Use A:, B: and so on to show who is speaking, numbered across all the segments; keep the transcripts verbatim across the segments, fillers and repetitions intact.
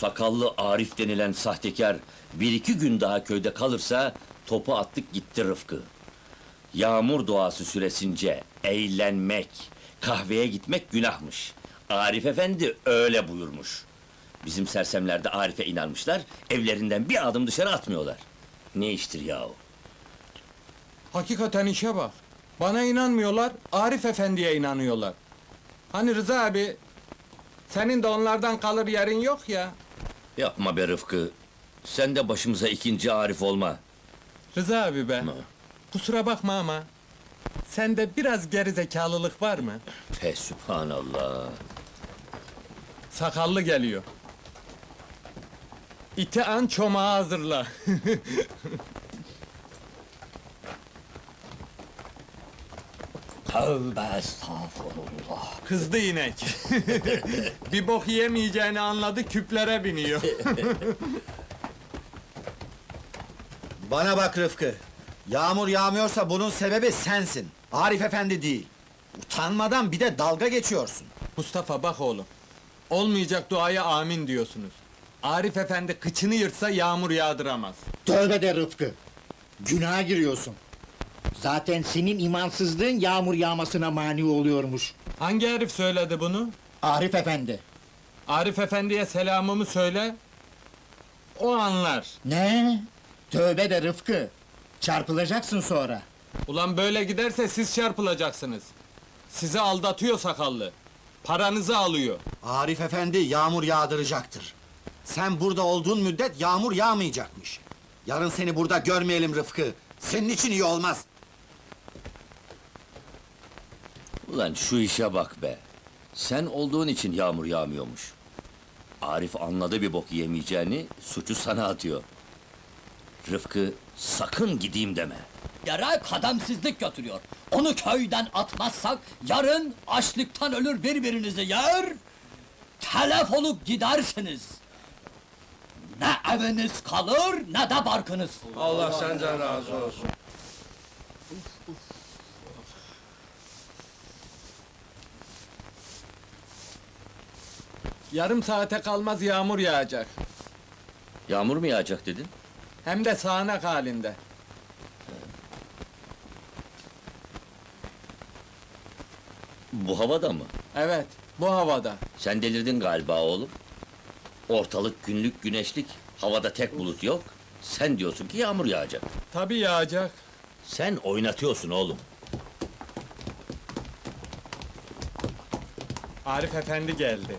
A: sakallı Arif denilen sahtekar bir iki gün daha köyde kalırsa topu attık gitti Rıfkı. Yağmur duası süresince eğlenmek, kahveye gitmek günahmış. Arif efendi öyle buyurmuş. Bizim sersemler de Arif'e inanmışlar, evlerinden bir adım dışarı atmıyorlar. Ne iştir yahu?
B: Hakikaten işe bak. Bana inanmıyorlar, Arif Efendi'ye inanıyorlar. Hani Rıza abi, senin de onlardan kalır yerin yok ya.
A: Yapma be Rıfkı, sen de başımıza ikinci Arif olma.
B: Rıza abi be,
A: Ama
B: kusura bakma ama... ...sende biraz gerizekalılık var mı?
A: fe sübhanallah.
B: Sakallı geliyor. İti an çomağı hazırla.
A: Tövbe estağfurullah.
B: Kızdı inek. Bir bok yemeyeceğini anladı, küplere biniyor.
C: Bana bak Rıfkı, yağmur yağmıyorsa bunun sebebi sensin, Arif Efendi değil. Utanmadan bir de dalga geçiyorsun.
B: Mustafa bak oğlum. Olmayacak duaya amin diyorsunuz. Arif Efendi kıçını yırtsa yağmur yağdıramaz.
D: Tövbe de Rıfkı! Günaha giriyorsun. Zaten senin imansızlığın yağmur yağmasına mani oluyormuş.
B: Hangi herif söyledi bunu?
D: Arif Efendi.
B: Arif Efendi'ye selamımı söyle. O anlar.
D: Ne? Tövbe de Rıfkı! Çarpılacaksın sonra.
B: Ulan böyle giderse siz çarpılacaksınız. Sizi aldatıyor sakallı. Paranızı alıyor.
C: Arif Efendi yağmur yağdıracaktır. Sen burada olduğun müddet yağmur yağmayacakmış. Yarın seni burada görmeyelim Rıfkı. Senin için iyi olmaz.
A: Ulan şu işe bak be! Sen olduğun için yağmur yağmıyormuş. Arif anladı bir bok yemeyeceğini, suçu sana atıyor. Rıfkı, sakın gideyim deme!
E: Yere kademsizlik götürüyor. Onu köyden atmazsak, yarın açlıktan ölür birbirinizi yer... ...telef olup gidersiniz. Ne eviniz kalır, ne de barkınız.
F: Allah senden razı olsun.
B: Yarım saate kalmaz yağmur yağacak.
A: Yağmur mu yağacak dedin?
B: Hem de sağanak halinde.
A: Bu havada mı?
B: Evet, bu havada.
A: Sen delirdin galiba oğlum. Ortalık günlük güneşlik, havada tek bulut yok. Sen diyorsun ki yağmur yağacak.
B: Tabii yağacak.
A: Sen oynatıyorsun oğlum.
B: Arif Efendi geldi.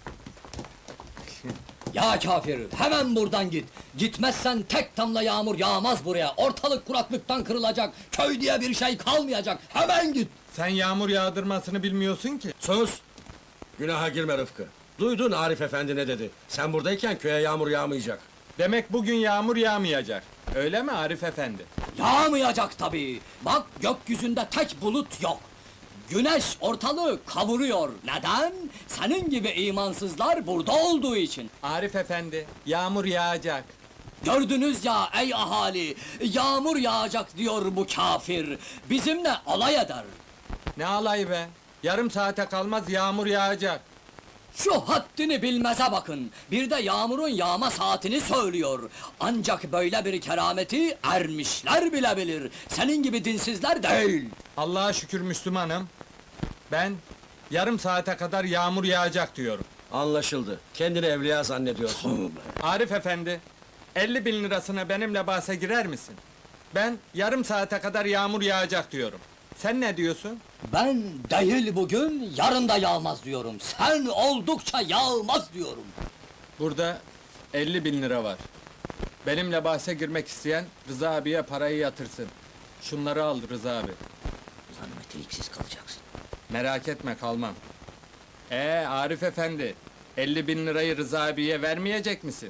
E: Ya kafir, hemen buradan git! Gitmezsen tek damla yağmur yağmaz buraya! Ortalık kuraklıktan kırılacak, köy diye bir şey kalmayacak! Hemen git!
B: Sen yağmur yağdırmasını bilmiyorsun ki.
F: Sus! Günaha girme Rıfkı. Duydun Arif Efendi ne dedi? Sen buradayken köye yağmur yağmayacak.
B: Demek bugün yağmur yağmayacak. Öyle mi Arif Efendi?
E: Yağmayacak tabii! Bak, gökyüzünde tek bulut yok! Güneş ortalığı kavuruyor. Neden? Senin gibi imansızlar burada olduğu için.
B: Arif Efendi, yağmur yağacak.
E: Gördünüz ya ey ahali, yağmur yağacak diyor bu kafir. Bizimle alay eder.
B: Ne alay be? Yarım saate kalmaz yağmur yağacak.
E: Şu haddini bilmeze bakın. Bir de yağmurun yağma saatini söylüyor. Ancak böyle bir kerameti ermişler bile bilir. Senin gibi dinsizler değil.
B: Allah'a şükür Müslümanım. Ben yarım saate kadar yağmur yağacak diyorum.
F: Anlaşıldı. Kendini evliya zannediyorsun.
B: Arif Efendi, elli bin lirasına benimle bahse girer misin? Ben yarım saate kadar yağmur yağacak diyorum. Sen ne diyorsun?
E: Ben değil bugün, yarın da yağmaz diyorum. Sen oldukça yağmaz diyorum.
B: Burada elli bin lira var. Benimle bahse girmek isteyen Rıza abiye parayı yatırsın. Şunları al Rıza abi.
A: Ulan meteliksiz kalacaksın.
B: Merak etme kalmam. Ee Arif Efendi, elli bin lirayı Rıza abiye vermeyecek misin?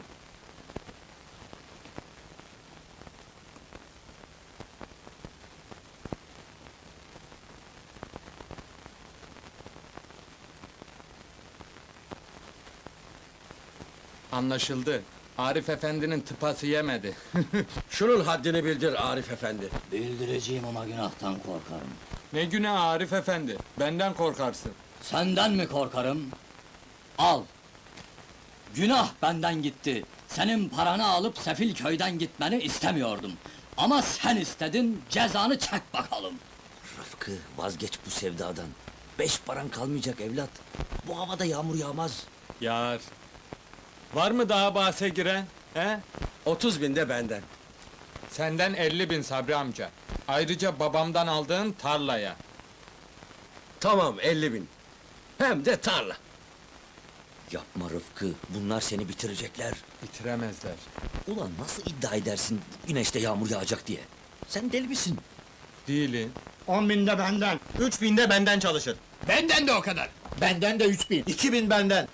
B: Anlaşıldı. Arif Efendi'nin tıpası yemedi.
F: Şunun haddini bildir Arif Efendi.
E: Bildireceğim ama günahtan korkarım.
B: Ne günah Arif Efendi, benden korkarsın.
E: Senden mi korkarım? Al! Günah benden gitti. Senin paranı alıp sefil köyden gitmeni istemiyordum. Ama sen istedin, cezanı çek bakalım.
A: Rıfkı, vazgeç bu sevdadan. Beş paran kalmayacak evlat. Bu havada yağmur yağmaz.
B: Yar. Var mı daha bahse giren? He?
F: Otuz bin de benden.
B: Senden elli bin Sabri amca. Ayrıca babamdan aldığın tarlaya.
F: Tamam, elli bin. Hem de tarla.
A: Yapma Rıfkı, bunlar seni bitirecekler.
B: Bitiremezler.
A: Ulan nasıl iddia edersin güneşte yağmur yağacak diye? Sen deli misin?
B: Değilin.
D: On binde benden.
G: Üç binde benden çalışır.
E: Benden de o kadar.
D: Benden de üç bin.
C: İki bin benden.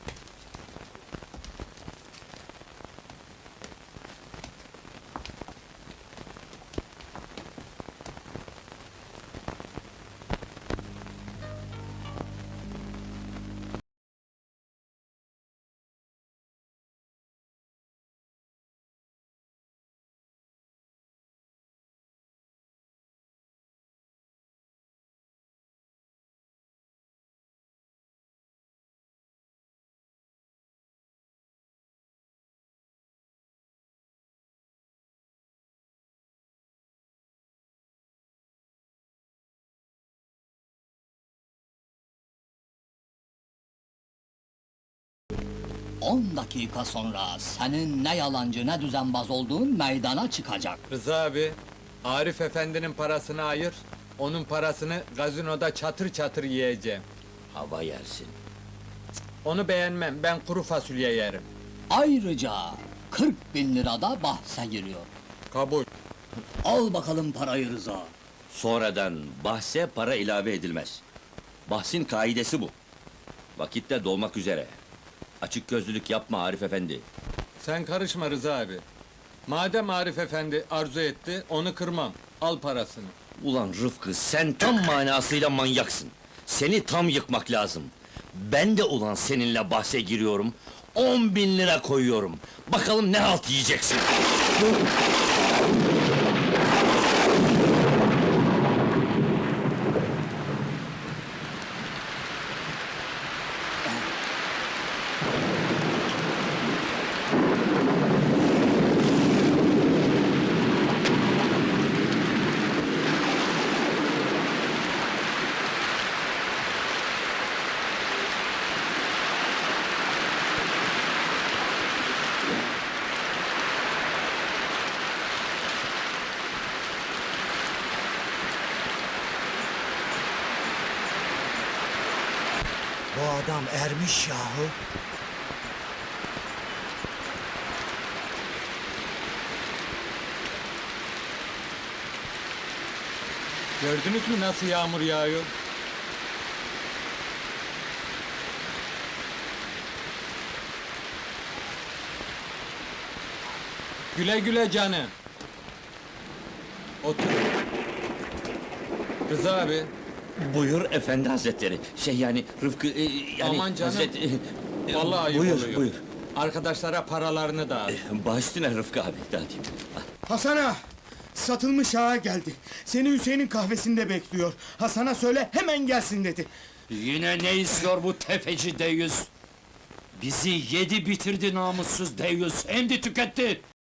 E: On dakika sonra senin ne yalancı ne düzenbaz olduğun meydana çıkacak.
B: Rıza abi, Arif efendinin parasını ayır, onun parasını gazinoda çatır çatır yiyeceğim.
A: Hava yersin.
B: Onu beğenmem, ben kuru fasulye yerim.
E: Ayrıca kırk bin lira da bahse giriyor.
B: Kabul.
E: Al bakalım parayı Rıza.
A: Sonradan bahse para ilave edilmez. Bahsin kaidesi bu. Vakitte dolmak üzere. Açık gözlülük yapma Arif efendi.
B: Sen karışma Rıza abi. Madem Arif efendi arzu etti, onu kırmam. Al parasını.
A: Ulan Rıfkı, sen tam manasıyla manyaksın. Seni tam yıkmak lazım. Ben de ulan seninle bahse giriyorum. On bin lira koyuyorum. Bakalım ne halt yiyeceksin.
C: Bu adam ermiş yahu.
B: Gördünüz mü nasıl yağmur yağıyor? Güle güle canım. Otur. Rıza abi,
A: Buyur efendi hazretleri. Şey yani Rıfkı e, yani
B: Aman canım.
A: Hazret, e, e,
B: vallahi ayıp
A: buyur,
B: oluyor.
A: Buyur
B: Arkadaşlara paralarını dağıt.
A: Baş üstüne Rıfkı abi. Dağıtayım.
G: Hasan ağa! Satılmış ağa geldi. Seni Hüseyin'in kahvesinde bekliyor. Hasan'a söyle hemen gelsin dedi.
H: Yine ne istiyor bu tefeci deyyus? Bizi yedi bitirdi namussuz deyyus, hem de tüketti!